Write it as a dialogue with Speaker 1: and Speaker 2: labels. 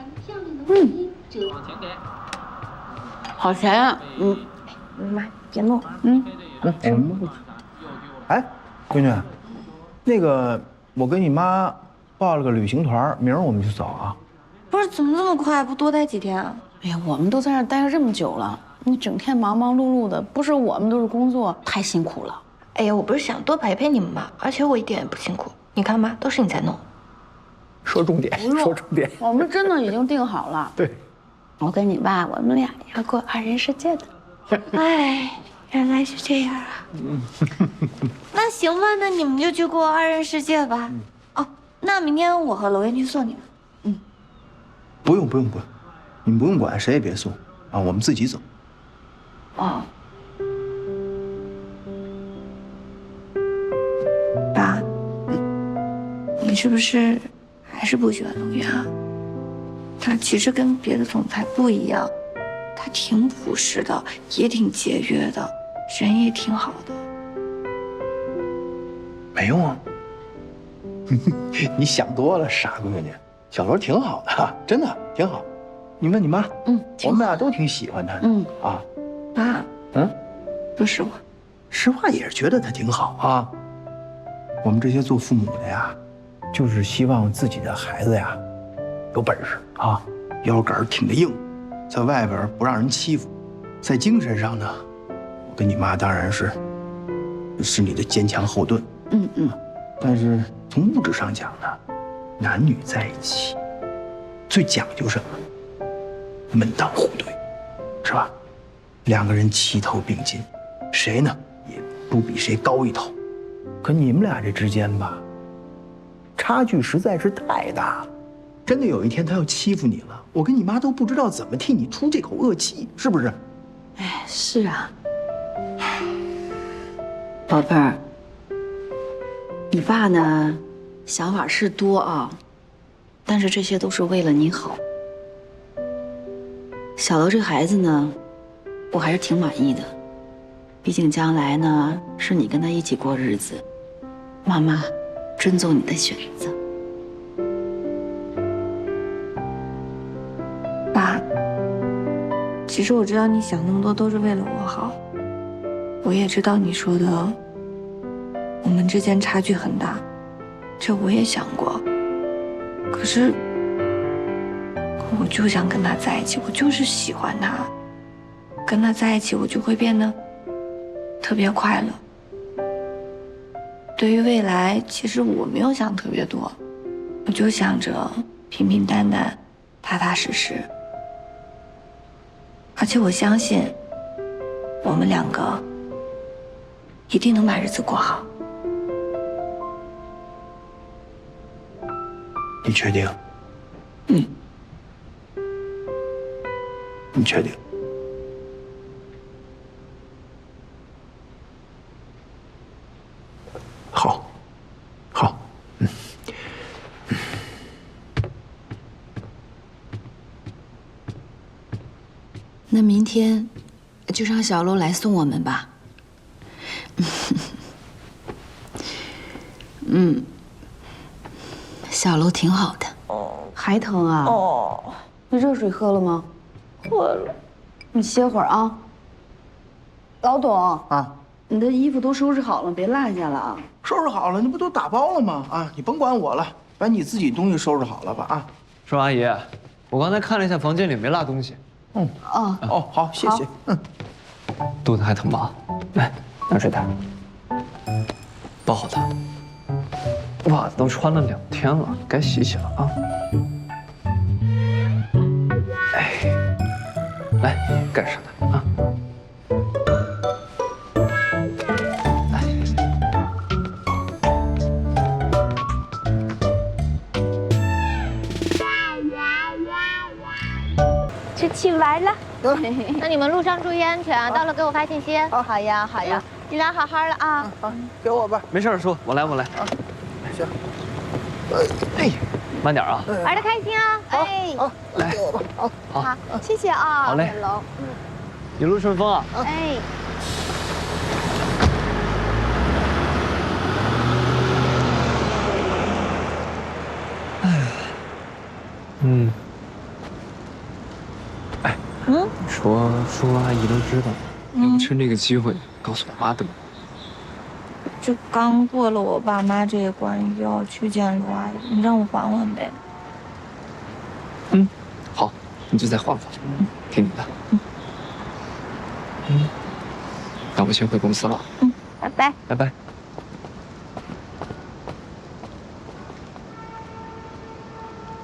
Speaker 1: 好甜啊！
Speaker 2: 妈，别弄。
Speaker 3: 什么？哎，闺女，那个我跟你妈报了个旅行团，明儿我们就走啊。
Speaker 2: 不是，怎么这么快？不多待几天啊？
Speaker 1: 哎呀，我们都在这儿待了这么久了，你整天忙忙碌碌的，不是我们都是工作，太辛苦了。
Speaker 2: 哎呀，我不是想多陪陪你们吗？而且我一点也不辛苦。你看妈，都是你在弄。
Speaker 3: 说重点，说重点。
Speaker 1: 我们真的已经定好了。
Speaker 3: 对，
Speaker 1: 我跟你爸，我们俩要过二人世界的。
Speaker 2: 哎，原来是这样啊。那行吧，那你们就去过二人世界吧。哦，那明天我和娄燕去送你们。
Speaker 3: 不用，你们不用管，谁也别送啊，我们自己走。
Speaker 2: 哦。爸，你是不是还是不喜欢龙源啊？他其实跟别的总裁不一样，他挺朴实的，也挺节约的，人也挺好的。
Speaker 3: 没用啊，你想多了，傻闺女。小罗挺好的，真的挺好。你问你妈，我们俩都挺喜欢他的。啊，
Speaker 2: 爸，说实话，
Speaker 3: 实话也是觉得他挺好啊。我们这些做父母的呀，就是希望自己的孩子呀，有本事啊，腰杆挺得硬，在外边不让人欺负，在精神上呢，我跟你妈当然是你的坚强后盾。但是从物质上讲呢，男女在一起最讲究什么？门当户对，是吧？两个人齐头并进，谁呢也不比谁高一头。可你们俩这之间吧，差距实在是太大了。真的有一天他要欺负你了，我跟你妈都不知道怎么替你出这口恶气，是不是？
Speaker 1: 哎，是啊，宝贝儿，你爸呢，想法是多啊，但是这些都是为了你好。小楼这孩子呢，我还是挺满意的，毕竟将来呢是你跟他一起过日子，妈妈尊重你的选择。
Speaker 2: 爸，其实我知道你想那么多都是为了我好，我也知道你说的我们之间差距很大，这我也想过。可是我就想跟他在一起，我就是喜欢他，跟他在一起我就会变得特别快乐。对于未来，其实我没有想特别多，我就想着平平淡淡、踏踏实实。而且我相信，我们两个一定能把日子过好。
Speaker 3: 你确定？你确定？好，好，
Speaker 1: 那明天就让小楼来送我们吧。小楼挺好的。还疼啊？你热水喝了吗？
Speaker 2: 喝了。
Speaker 1: 你歇会儿啊。老董
Speaker 3: 啊，
Speaker 1: 你的衣服都收拾好了，别落下了啊。
Speaker 3: 收拾好了，那不都打包了吗？啊，你甭管我了，把你自己东西收拾好了吧。啊，
Speaker 4: 寿阿姨，我刚才看了一下房间里没落东西。
Speaker 3: 哦，好，谢谢。
Speaker 4: 肚子还疼吧？来，拿水袋。抱好它。袜子都穿了2天了，该洗洗了啊。哎，来盖上它啊。来，
Speaker 5: 吃起来了。那你们路上注意安全啊！到了给我发信息。
Speaker 1: 好呀，好呀。
Speaker 5: 你俩好好的啊。
Speaker 3: 好，给我吧。
Speaker 4: 没事，叔，我来。
Speaker 3: 行。
Speaker 4: 哎，慢点啊。
Speaker 5: 玩的开心啊！哎，
Speaker 3: 好，来给我吧。
Speaker 5: 好，谢谢啊。
Speaker 4: 好嘞。
Speaker 5: 楼。
Speaker 4: 一路顺风啊。
Speaker 5: 哎。
Speaker 4: 说叔叔阿姨都知道，要不趁这个机会告诉我妈得了。
Speaker 2: 就刚过了我爸妈这一关，就要去见陆阿姨，你让我缓缓呗。
Speaker 4: 好，你就再缓缓，听你的。那我先回公司了。
Speaker 5: 拜拜。
Speaker 4: 拜拜。